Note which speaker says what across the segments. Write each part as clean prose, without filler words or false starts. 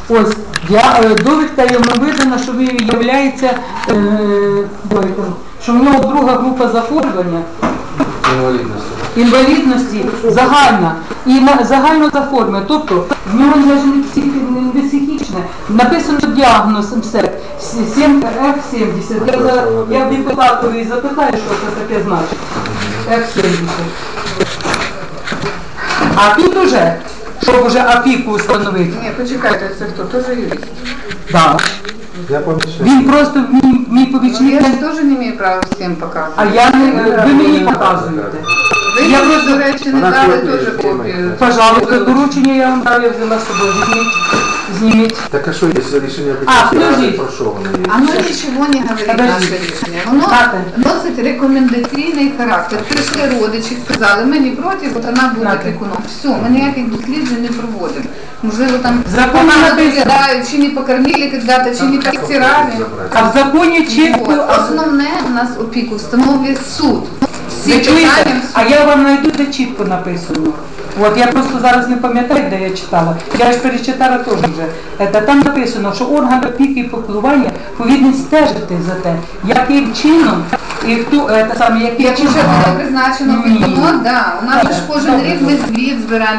Speaker 1: Ось, довідка йому видана, що він являється, що в нього друга група захворювання. Інвалідності загальна. І загально заформлена. Тобто, в нього не психічне. Написано діагноз МСЕК 7F70. Я в депутатові запитаю, що це таке значить. F70. А тут уже, щоб уже опіку встановити.
Speaker 2: Ні, почекайте, це хто? Тоже юрист?
Speaker 1: Так. Він просто мій помічник.
Speaker 2: Я ж теж не маю права всім показувати.
Speaker 1: А я не, ви мені показуєте.
Speaker 2: Ви, до речі, не дали теж копію.
Speaker 1: Пожалуйста, доручення я вам дав, я взяла з собою. Зніміть.
Speaker 3: Так а что, если решение комиссии про що воно є?
Speaker 2: Оно ничего не говорит, наше рішення. Воно носить рекомендаційний характер. Прийшли родичі, сказали, ми не проти, от вона буде опікуном. Все, ми ніяких досліджень не проводимо. Можливо, там погано доглядають, чи не покормили когда-то, чи не постирали.
Speaker 1: А в законі чітко...
Speaker 2: Основне у нас опіку встановлює суд.
Speaker 1: Ви чуєте? А я вам знайду, де чітко написано. От я просто зараз не пам'ятаю, де я читала. Я ж перечитала теж вже. Там написано, що орган опіки і піклування повинен стежити за те, яким чином і хто саме, яким
Speaker 2: чином. Якщо буде призначено опікуном, да. У нас ж кожен рік ми звіт збираємо.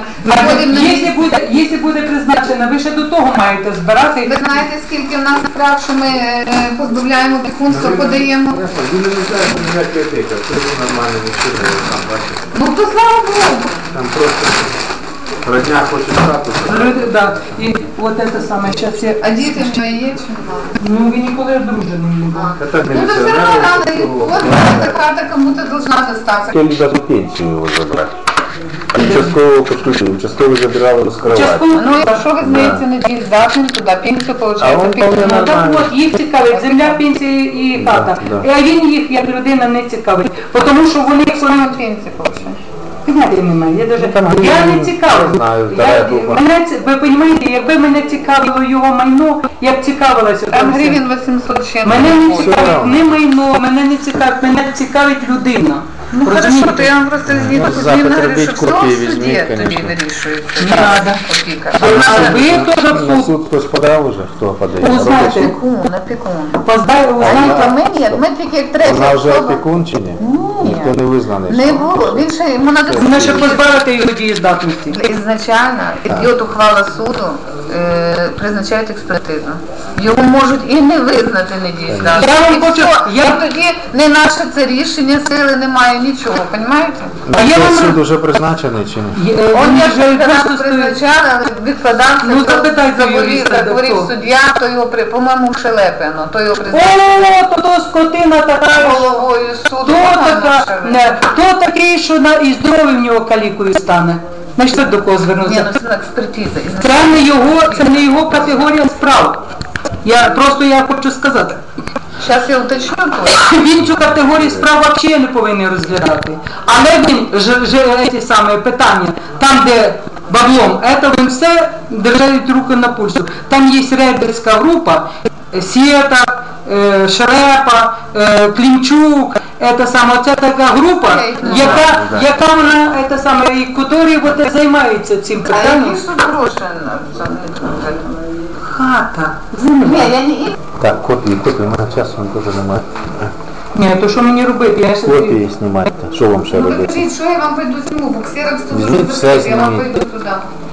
Speaker 1: Якщо буде призначено, ви ще до того маєте збирати.
Speaker 2: Ви знаєте, скільки в нас справ, що ми позбавляємо опікунства, подаємо?
Speaker 3: Ви не знаєте, ніякі опіка, це нормально нічого там бачите.
Speaker 2: Ну то слава Богу.
Speaker 3: Там просто родня хоче статус.
Speaker 1: Да. І от це саме, зараз я...
Speaker 2: А діти що є чи немає?
Speaker 1: Ну, ви ніколи одружені не були.
Speaker 2: Ну, то все равно надо, вот эта карта кому-то должна достаться.
Speaker 3: Хотели даже пенсию его забрать. Участкового подключили, участковый забирал его с кровати.
Speaker 2: Ну, а що ви знаєте, не дієздатним туди, пенсію получаєте?
Speaker 1: Так от, їх цікавить земля, пенсія і хата. А він їх, як людина, не цікавить. Тому що вони...
Speaker 2: Пенсію получають.
Speaker 1: Поняття немає, я не цікавлюсь. Ви розумієте, якби мене цікавило його майно, я б цікавилася.
Speaker 2: Там гривень 800 чим.
Speaker 1: Мене не цікавить не майно, мене цікавить людина.
Speaker 2: Ну хорошо, то я вам просто згідно говорю, що все в суді тобі вирішується.
Speaker 1: Не треба. Ви теж в
Speaker 3: На суд хтось подав уже? Хто подає?
Speaker 2: Опікун. Ми тільки як третя.
Speaker 3: Вона вже опікун чи ні? Ніхто не визнаний.
Speaker 2: Не було. Він ще, йому треба...
Speaker 1: Вона ще позбавити його дієздатності.
Speaker 2: Ізначально, йде ухвала суду, призначають експертизу. Його можуть і не визнати недієздатним. Тоді не наше це рішення, сили немає, нічого, розумієте?
Speaker 3: Суд вже призначений чи ні?
Speaker 2: Он як раз призначали, але відкладався, заговорив суддя, то його, по-моєму, Шелепіно, то його призначили.
Speaker 1: О, то скотина така,
Speaker 2: головою суду.
Speaker 1: Хто такий, що і здоров'я в нього калікою стане? Значить, до кого звернутися?
Speaker 2: Ні, ну це експертиза.
Speaker 1: Це не його категорія справ. Я хочу сказати.
Speaker 2: Зараз я уточню.
Speaker 1: Він цю категорію справ взагалі не повинен розглядати. Але він, ці самі питання, там де баблом, це він все держать руку на пульсу. Там є рейдерська група, Сєта, Шрепа, Клімчук, це така група, яка вона, які займаються цим питанням.
Speaker 2: А які ж тут гроші за
Speaker 1: Хата,
Speaker 2: земля.
Speaker 3: Так, копії, у мене часу теж немає.
Speaker 1: Ні, то що мені робити?
Speaker 3: Копії знімайте, що вам ще робити?
Speaker 2: Покажіть, що я вам прийду зніму, бо ксерокс тут
Speaker 3: все
Speaker 2: я вам прийду туди.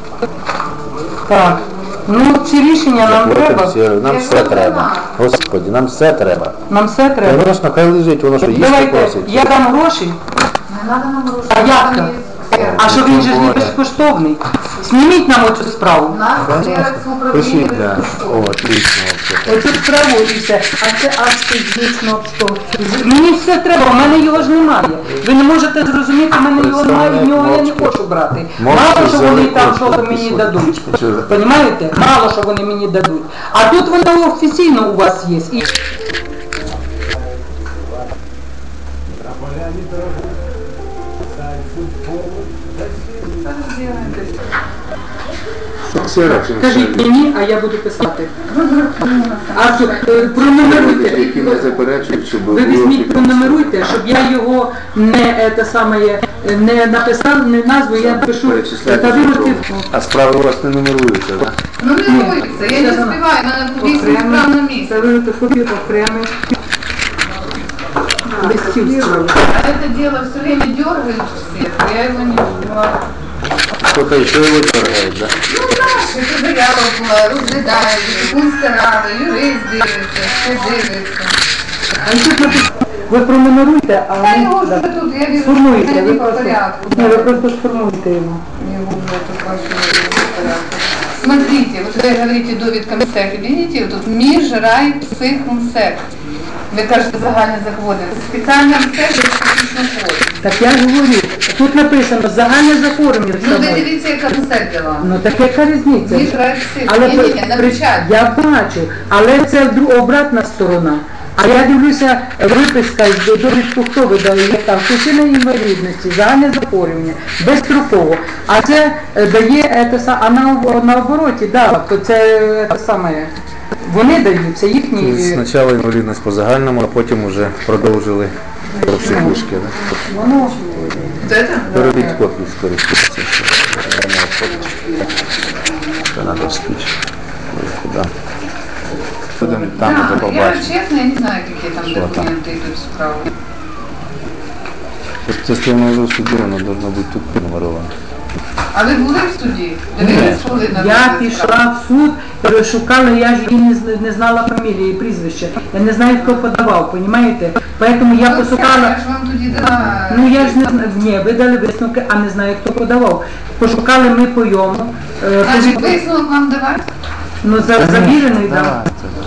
Speaker 1: Так, ну ці рішення нам треба.
Speaker 3: Нам все треба. Господи, нам все треба.
Speaker 1: Нам все треба.
Speaker 3: Звісно, хай лежить, воно що їсти
Speaker 1: Давайте,
Speaker 3: просить.
Speaker 1: я дам гроші.
Speaker 2: Не треба нам гроші.
Speaker 1: А як там? А що він же ж не безкоштовний? Зніміть нам оцю справу.
Speaker 3: Пишіть, да. О, отлично.
Speaker 1: Оцю справу і все. А це акти дійсно мені все треба, в мене його ж немає. Ви не можете зрозуміти, в мене його немає, в нього я не хочу брати. Мало, що вони там щось мені дадуть. Понімаєте? Мало, що вони мені дадуть. А тут воно офіційно у вас є. Кажіть мені, а я буду писати. А пронумеруйте. Ви візьміть, пронумеруйте, щоб я його не написав, не назву, я пишу.
Speaker 3: А справи у вас не нумеруються, так?
Speaker 2: Ну не робиться, я не успеваю, в мене 8 справ на місці.
Speaker 1: Це ви копію окремих листів зробили.
Speaker 2: А это дело все время дергает всех, я его не успеваю.
Speaker 3: Кто-то еще его дергает, да?
Speaker 2: Ну так, це заява була, розглядають, Пунська рада, юрист дивиться, все дивиться.
Speaker 1: А тут написано, ви пронумеруйте, а
Speaker 2: Та
Speaker 1: ми
Speaker 2: його ж
Speaker 1: да,
Speaker 2: ви тут, я вижу,
Speaker 1: сформуєте,
Speaker 2: що
Speaker 1: ви
Speaker 2: не по
Speaker 1: просто,
Speaker 2: порядку.
Speaker 1: ні, ви просто сформуєте його.
Speaker 2: Его уже тут вообще не по порядку. Смотрите, вот вы говорите довідка МСЕК, видите, вот тут міжрайпсихмсек. Ви кажете загальне захворювання. Це спеціальне МСЕК, де специфічно хворі.
Speaker 1: Так я ж говорю, тут написано загальне захворювання.
Speaker 2: Ну, ви дивіться, яка МСЕК дала.
Speaker 1: Ну так яка різниця?
Speaker 2: Міжрайпсих.
Speaker 1: Але
Speaker 2: Ні, на печать.
Speaker 1: я бачу, але це обратна сторона. А я дивлюся, виписка з довідку, хто видав, є там причина інвалідності, загальне захворювання, безстроково. А це дає, а наобороті, да, то це саме, вони дають, це їхні.
Speaker 3: Спочатку інвалідність по загальному, а потім вже продовжили про психушки, да?
Speaker 1: Воно,
Speaker 2: Вот это?
Speaker 3: Перебіть копію скористатися. Це треба спіч. Куди? Будемо там вже
Speaker 2: Да, я
Speaker 3: побачимо.
Speaker 2: честно, я не знаю, какие там
Speaker 3: Что там?
Speaker 2: документы идут справа.
Speaker 3: Це сторону вже в суді, воно должно бути тут пронумеровано.
Speaker 2: А ви були в суді? Дивились, коли на
Speaker 1: я
Speaker 2: розгляд справи?
Speaker 1: пішла в суд, шукала, я ж її не знала фамілії і прізвища. Я не знаю, хто подавав, розумієте? Поэтому я
Speaker 2: Ну,
Speaker 1: пошукала.
Speaker 2: Я ж вам тоді дала...
Speaker 1: Ну я ж не знаю, ні, ви дали висновки, а не знаю, хто подавав. Пошукали ми по йому.
Speaker 2: Значить, висновок вам давати?
Speaker 1: Ну, завірений, так.
Speaker 3: Так, це так.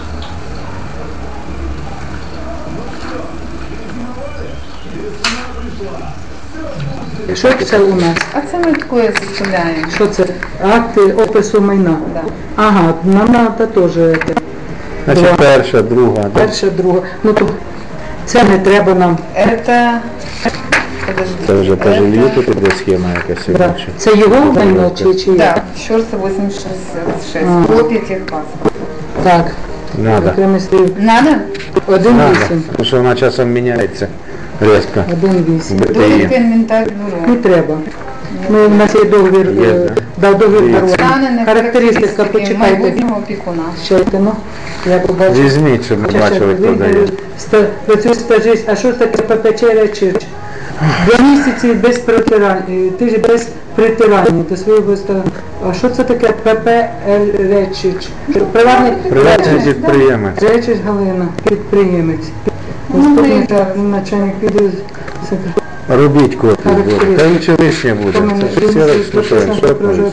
Speaker 1: Що це у нас?
Speaker 2: А це ми таке заставляємо.
Speaker 1: Що це? Акти опису майна.
Speaker 2: Да.
Speaker 1: Ага, нам треба теж.
Speaker 3: Значить, перша, друга, да?
Speaker 1: Перша, друга. Ну то це не треба нам.
Speaker 2: Это... Подожди.
Speaker 3: Це вже по жилью тут іде схема якась.
Speaker 1: Да.
Speaker 3: інакше.
Speaker 1: Це його майно чи
Speaker 2: Да, Щорса 86.
Speaker 1: А.
Speaker 2: Копия техпаспорта.
Speaker 1: Так.
Speaker 3: Надо.
Speaker 1: Окремий слів.
Speaker 2: Надо?
Speaker 1: 1,8.
Speaker 3: Тому що вона часом міняється різко.
Speaker 1: 1,8.
Speaker 2: Довідка
Speaker 3: БТІ.
Speaker 2: інвентар
Speaker 1: Не
Speaker 2: бюро.
Speaker 1: треба. Ну, у нас є договір,
Speaker 3: Є, да.
Speaker 1: дав договір
Speaker 3: Є.
Speaker 1: дарування.
Speaker 2: Станені
Speaker 1: Характеристика, почитайте.
Speaker 2: майбутнього опікуна.
Speaker 1: Чайте, ну, я побачу.
Speaker 3: Візьміть, щоб ми бачили, хто дає.
Speaker 1: Працює стажист, а що таке ППЧ Речич? 2 місяці без притирання, тиждень без притирання до своєї А що це таке ППЛ Речич?
Speaker 3: Приватний підприємець.
Speaker 1: Речич Галина, підприємець.
Speaker 2: Ну,
Speaker 1: Заступник
Speaker 2: ми-
Speaker 1: начальник відділу.
Speaker 3: Робіть копію. Та нічого лишнє буде. Це ж все розпишемо, що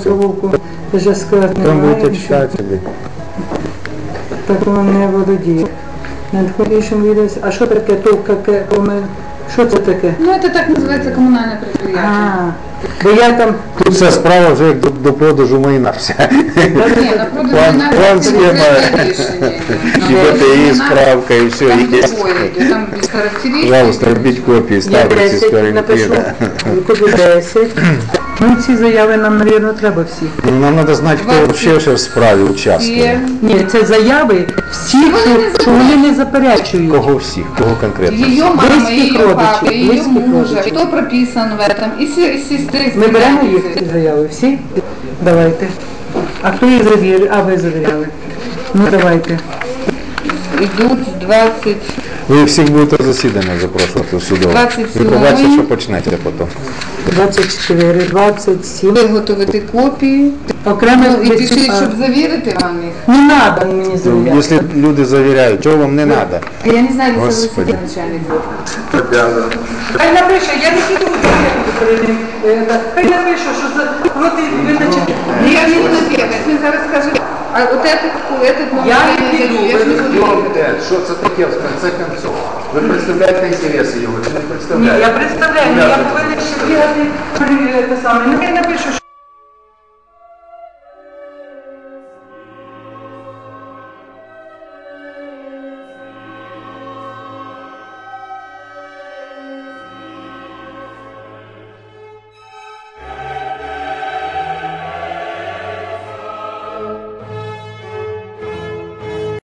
Speaker 3: там будете читати собі.
Speaker 1: Так воно не володіє. Надходящим відео. А що таке що це таке?
Speaker 2: Ну, это так называется коммунальное предприятие.
Speaker 1: А, бо я там
Speaker 3: Тут вся справа вже як до продажу майна вся.
Speaker 2: Не, на продажу
Speaker 3: План схема. І БТІ, справка, і все
Speaker 2: Там
Speaker 3: є.
Speaker 2: другое идет, там без характеристик.
Speaker 3: Пожалуйста, робіть копії,
Speaker 1: я
Speaker 3: ставте ці
Speaker 1: 10 напишу,
Speaker 3: скоринки.
Speaker 1: куди 10. Ну ці заяви нам, мабуть, треба всі.
Speaker 3: Нам треба знати, хто взагалі ще в справі участвує.
Speaker 1: Ні, це заяви всіх, що вони не заперечують.
Speaker 3: Кого всіх, кого конкретно?
Speaker 2: Ее мама,
Speaker 1: Близких
Speaker 2: ее
Speaker 1: родичей,
Speaker 2: папа, ее
Speaker 1: близких
Speaker 2: мужа,
Speaker 1: родичей.
Speaker 2: кто прописан в этом, и сестры.
Speaker 1: Ми беремо їх ці заяви, всі? Давайте. А хто їх завірив? А ви завіряли. Ну давайте.
Speaker 2: Идут 20.
Speaker 3: Ви всіх будете засідання запрошувати в судове.
Speaker 2: 27.
Speaker 3: Ви побачите, що почнете потім.
Speaker 1: 24, 27.
Speaker 2: Виготовити копії.
Speaker 1: Окремо
Speaker 2: Ну, і
Speaker 1: від
Speaker 2: пишіть,
Speaker 1: цих-
Speaker 2: щоб завірити вам їх.
Speaker 1: Не треба мені
Speaker 3: Ну,
Speaker 1: завіряти.
Speaker 3: якщо люди завіряють, чого вам не треба?
Speaker 2: Я не знаю, если
Speaker 3: Господи.
Speaker 2: вы начальник.
Speaker 1: Хай напише, я не піду перед. Хай напише, що за проти визначити.
Speaker 2: Я не буду бегать, мне зараз скажет, а вот этот новый
Speaker 1: Я не
Speaker 2: менеджер,
Speaker 1: піду,
Speaker 2: я ж не буду бегать.
Speaker 3: Що це таке, в конце концов? Ви представляєте інтереси його чи не
Speaker 1: Ні,
Speaker 3: представляєте?
Speaker 1: я представляю, але я повинна ще бігати, те саме. Ну, хай напише, що